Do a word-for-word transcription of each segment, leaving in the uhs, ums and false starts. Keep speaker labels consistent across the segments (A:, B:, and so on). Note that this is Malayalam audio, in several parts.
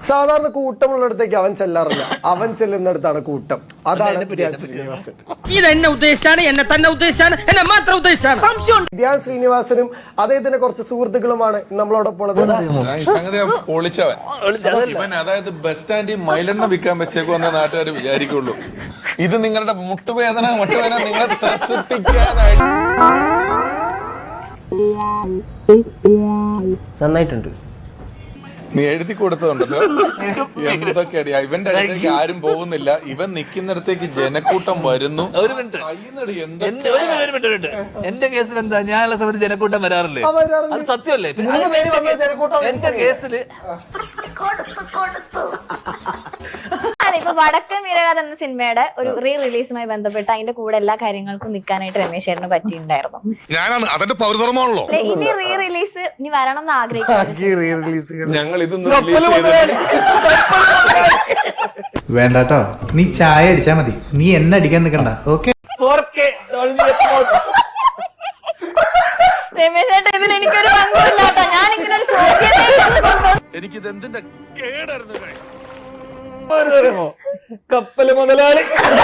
A: സാധാരണ കൂട്ടമുള്ളിടത്തേക്ക് അവൻ ചെല്ലാറില്ല, അവൻ ചെല്ലുന്നിടത്താണ് കൂട്ടം. അതാണ് ധ്യാൻ ശ്രീനിവാസൻ.
B: ഇതെന്നെ ഉദ്ദേശിച്ചാണ്, എന്നെ തന്നെ ഉദ്ദേശിച്ചാണ്, എന്നെ മാത്രം ഉദ്ദേശിച്ചാണ്.
A: ധ്യാൻ ശ്രീനിവാസനും അദ്ദേഹത്തിന്റെ കുറച്ച് സുഹൃത്തുക്കളുമാണ് നമ്മളോടൊപ്പം ഉള്ളത്.
C: അതായത് ബസ് സ്റ്റാൻഡിൽ മൈലെണ്ണ വിൽക്കാൻ വെച്ചേക്കുവെന്ന നാട്ടുകാർ വിചാരിക്കുള്ളൂ. ഇത് നിങ്ങളുടെ മുട്ടുവേദന മുട്ടുവേദന നിങ്ങളെ ത്രസിപ്പിക്കാനായിട്ട്.
A: നന്നായിട്ടുണ്ട്.
C: നീ എഴുതി കൊടുത്തതുണ്ടല്ലോ എന്തൊക്കെയാടി. ഇവന്റെ അടുത്തേക്ക് ആരും പോകുന്നില്ല, ഇവൻ നിൽക്കുന്നിടത്തേക്ക് ജനക്കൂട്ടം വരുന്നു.
D: എന്റെ കേസിൽ എന്താ, ഞാനുള്ള സമയത്ത് ജനക്കൂട്ടം വരാറില്ലേ? അത് സത്യമല്ലേ? എന്റെ കേസില്
E: ഇപ്പൊ വടക്കൻ വീരഗാഥ എന്ന സിനിമയുടെ ഒരു റീ റിലീസുമായി ബന്ധപ്പെട്ട് അതിന്റെ കൂടെ എല്ലാ കാര്യങ്ങൾക്കും നിൽക്കാനായിട്ട് രമേശ് ചേട്ടന് പറ്റിയിട്ടുണ്ടായിരുന്നു.
C: ഞാനാണ് അതിന്റെ പൗരധർമ്മമാണല്ലോ.
E: ഇനി റീ റിലീസ് ഇനി വരണം എന്ന് ആഗ്രഹിക്കുന്നു.
C: ഞങ്ങൾ ഇതൊന്നും
F: വേണ്ടാട്ടോ, നീ ചായ അടിച്ചാ മതി, നീ എന്നെ അടിക്കാൻ നിൽക്കണ്ട. ഓക്കെ
E: രമേശ് ചേട്ടൻ ഇതിൽ എനിക്കൊരു പങ്കുമില്ല കേട്ടോ. ഞാൻ ഇങ്ങനെ ഒരു ചോദ്യം
C: എനിക്കിത് എന്തിന്റെ കേടായിരുന്നു.
D: കപ്പല് മുതലാളി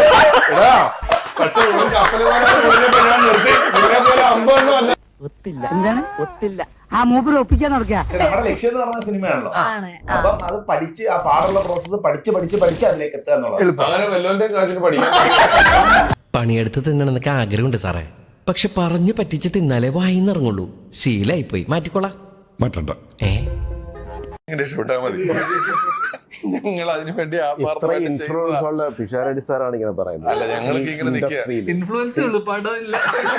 G: ഒത്തില്ല. എന്താണ് ഒത്തില്ല? ആ മൂപ്പര് ഒപ്പിക്കാൻ നടക്കുക.
H: നമ്മുടെ ലക്ഷ്യം എന്ന് പറഞ്ഞ സിനിമയാണല്ലോ. അപ്പം അത് പഠിച്ച് ആ പാടുള്ള പ്രോസസ് പഠിച്ച് പഠിച്ച് പഠിച്ച് അതിലേക്ക് എത്തുക എന്നുള്ളത്.
B: പണിയെടുത്ത് തിന്നണമെന്നൊക്കെ ആഗ്രഹമുണ്ട് സാറേ, പക്ഷെ പറഞ്ഞു പറ്റിച്ച് തിന്നാലേ വായിന്നിറങ്ങുള്ളൂ. ശീലായി പോയി. മാറ്റിക്കോളാം.
C: മാറ്റണ്ട.
B: ഏ
C: രക്ഷപ്പെട്ടാ മതി. ഞങ്ങൾ അതിനു വേണ്ടി
H: പിഷാരടി സാറാണ് ഇങ്ങനെ പറയുന്നത്.
C: അല്ല, ഞങ്ങൾക്ക് ഇങ്ങനെ നിൽക്കുക.
D: ഇൻഫ്ലുവൻസ് ഉള്ളു, പടമില്ല.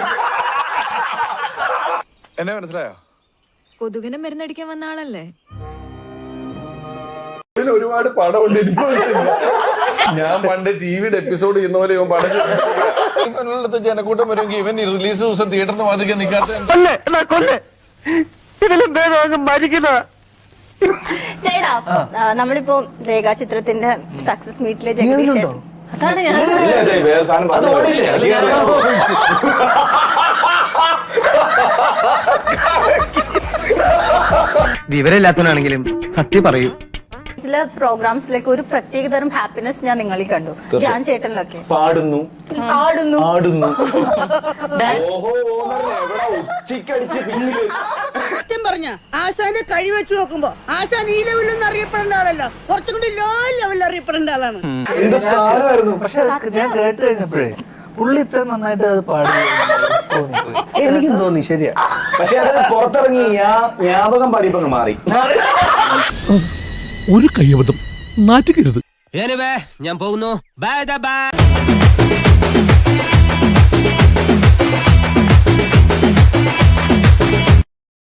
C: എന്നെ മനസ്സിലായോ?
I: കൊതുകിനെ മരുന്നടിക്കാൻ വന്ന ആളല്ലേ?
C: ഒരുപാട് പടമുണ്ട്. ഞാൻ പണ്ട് ടിവിയുടെ എപ്പിസോഡ് ചെയ്യുന്ന പോലെ ഇവൻ പടം ഇവനുള്ളത്തെ ജനക്കൂട്ടം വരുമെങ്കിൽ ഇവൻ റിലീസ് ദിവസം തിയേറ്ററിന് വാദിക്കാൻ നിൽക്കാത്ത
E: ചേട്ടാ, നമ്മളിപ്പോ രേഖാചിത്രത്തിന്റെ സക്സസ് മീറ്റിലെ ജഗദീഷ് അതാണ് ഞാൻ
F: വിവരമില്ലാത്തവനാണെങ്കിലും സത്യം പറയൂ.
E: ചില പ്രോഗ്രാംസിലേക്ക് ഒരു പ്രത്യേക തരം ഹാപ്പിനെസ് ഞാൻ നിങ്ങളിൽ കണ്ടു. ധ്യാൻ ചേട്ടനിലൊക്കെ
H: പാടുന്നു
E: ആടുന്നു
H: ആടുന്നു.
G: സത്യം പറഞ്ഞ ആശാനെ കഴിവെച്ച് നോക്കുമ്പോ ആശാൻ ഈ ലെവലിലൊന്നും അറിയപ്പെടേണ്ട ആളല്ല, കുറച്ചും കൂടി ലോ ലെവലിൽ അറിയപ്പെടേണ്ട ആളാണ്.
D: പക്ഷെ ഞാൻ കേട്ട് കഴിഞ്ഞപ്പോഴേ പുള്ളി ഇത്ര നന്നായിട്ട് അത് പാടി
H: എനിക്കും തോന്നി. ശരിയാ, പക്ഷെ അത് പുറത്തിറങ്ങി ജ്ഞാപകം പാടിയപ്പോ മാറി.
F: ഒരു കയ്യബദ്ധം നാറ്റുകരുത്.
B: ഞാൻ പോകുന്നു. Bye by.